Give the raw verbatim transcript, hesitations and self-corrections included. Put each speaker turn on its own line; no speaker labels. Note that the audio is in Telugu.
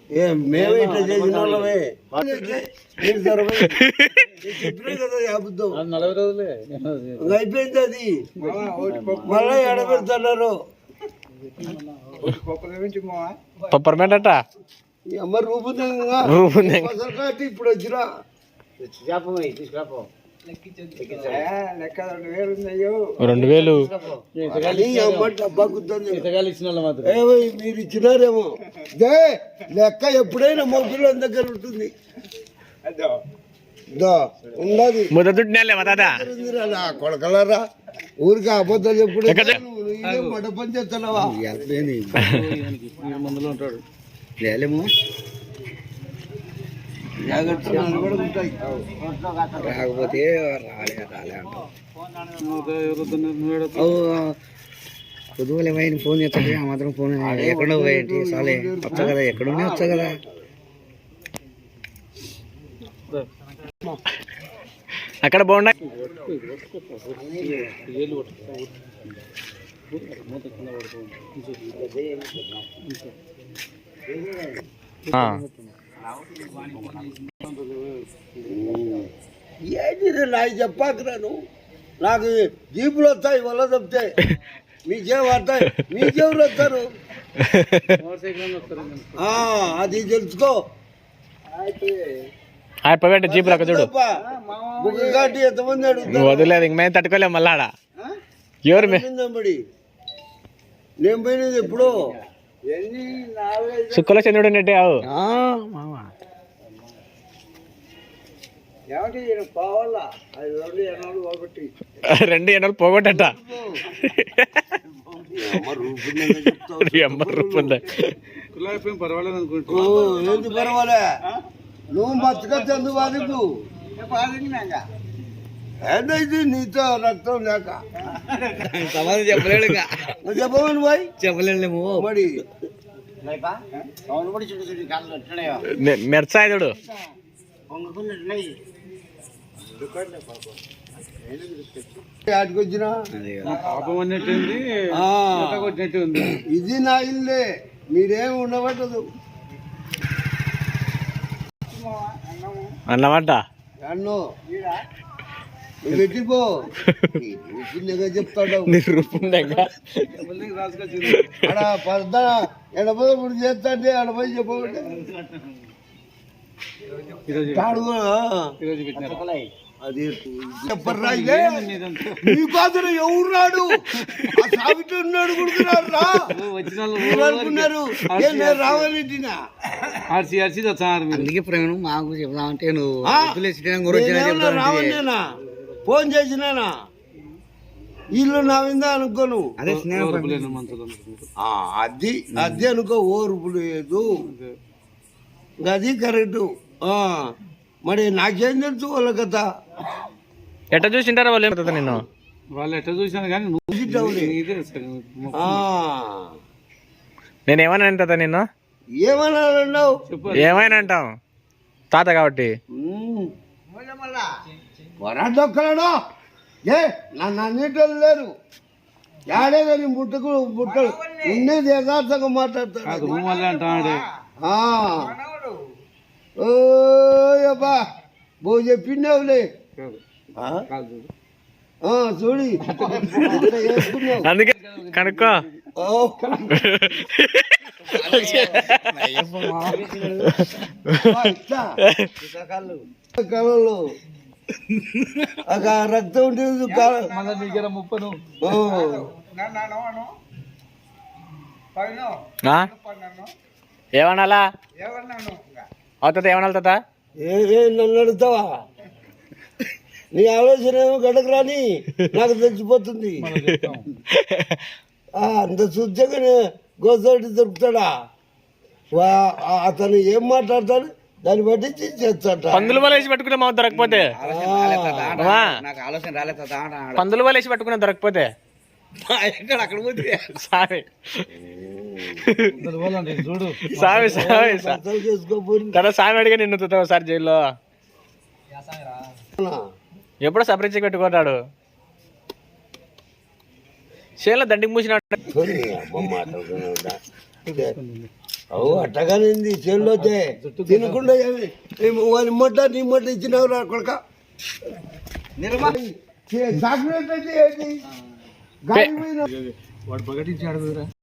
మేమే ఇట్లా చేసిన వాళ్ళమే చెప్పినా కదా అబద్ధం.
నలభై రోజులే
అయిపోయింది అది. మళ్ళీ ఎడబెడుతున్నారు
పప్పర్మెంట్ అట్ట
అమ్మ రూపుందంగా ఇప్పుడు వచ్చినా
రెండు వేలు
మీరు ఇచ్చినారేమో లెక్క ఎప్పుడైనా మొగ్గుల దగ్గర ఉంటుంది. కొడకలరా ఊరికి అబద్ధాలు ఎప్పుడు మడ పని చేస్తున్నావా
మందులో ఉంటాడు
లేలేమో రాకపోతే రాలే రాలే అంటావు. పొద్దుగల పోయిన ఫోన్ చేస్తాడు ఆ మాత్రం ఫోన్ ఎక్కడో పోయేంటి సాలే వచ్చా కదా ఎక్కడున్నా వచ్చా కదా.
అక్కడ బాగుండ
ఏంటి నాకు చెప్పాకరా నువ్వు. నాకు జీపులు వస్తాయి వల్ల చెప్తే మీకేం వస్తాయి మీకెవరు వస్తారు అది తెలుసుకో.
అయిపోయి జీపులు అక్కడ చూడు
బుగ్గటి ఎంతమంది అడుగుతారు
వదిలేదు ఇంక మేము తట్టుకోలేము మళ్ళా ఆడ ఎవరు
బడి నేను పోయినది ఎప్పుడు
సుక్కలో చంద్రుడు నెట్టే అవు రెండు ఎన్నోళ్ళు పోగొట్టట
పర్వాలేదు అనుకుంటా.
ఏంటి పర్వాలే నువ్వు మచ్చకొచ్చి ఎందుకు బాధికు ఏదైతే నీతో రక్తం లేక
సమాధానం చెప్పలేడు
చెప్పమని పోయి
చెప్పలేము
మరి
మెర్చాయుడు
ఆటికొచ్చినా
పాపం అన్నట్టుంది కొట్టినట్టుంది.
ఇది నా ఇల్లే మీరేమి ఉండబట్టదు
అన్నమాట
అన్నో నువ్వు పెట్టిపో చిన్నగా చెప్తాడు ఆడ పర్ద ఎడపదప్పుడు చేస్తాంటే ఆడపోయి చెప్పకండి అది చెప్పర్రా మీకోసం ఎవరు రాడు ఆ సావిటి ఉన్నాడు కొడుకున్నారు రా అనుకున్నారు రావాలంటినా
అందుకే ప్రేమ మాకు చెప్దామంటే నువ్వు
రావన్నా ఫోన్ చేసినానా ఇల్లు నా విందా అనుకోను అది అది అనుకో ఓర్పు లేదు అది కరెక్టు. మరి నాకేం తెలుసు వాళ్ళ కథ
ఎట్ట చూసింటారా వాళ్ళు నిన్ను
వాళ్ళు ఎట్ట చూసాను కానీ
నేను ఏమైనా అంటా నిన్ను
ఏమన్నావు
ఏమైనా అంటాం తాత కాబట్టి
వరాడొక్కలాడో ఏ నన్ను అన్నింటి లేరు యాడే కానీ బుట్టకు బుట్టలు ఉన్నది యథార్థంగా మాట్లాడతాడు. ఓయబ్బా బో చెప్పిండేవులే చూడి
అందుకే కనుక్కో
కళలు ఒక రక్తం ఉంటుంది
ముప్పను
ఏమనాలా అవుతుంది ఏమనాలి తాత
ఏ నన్ను అడుగుతావా నీ ఆలోచన ఏమో గడకు రాని నాకు తెలిసిపోతుంది. అంత శుద్ధంగా గోసటి దొరుకుతాడా అతను ఏం మాట్లాడతాడు దాన్ని బట్టి చేస్తాడు.
పందులు వలేసి పెట్టుకునే మా దొరకపోతే పందులు వలేసి పెట్టుకునే దొరకపోతే
అక్కడ పోతే
సామి సామి సామి తన సామి అడిగా నిన్ను ఒకసారి జైల్లో ఎప్పుడో సపరేట్ పెట్టుకున్నాడు చేలో దండికి మూసినాడు.
అవు అట్టగానింది చెల్లోతే తినకుండా ఏమి- ఏమి వాని మొట్ట నీ మొట్ట ఇచ్చినావు రా కొడక చాక్లెట్ అయితే ఏంటి? గాలి పోయిన
వాడు ప్రకటించాడు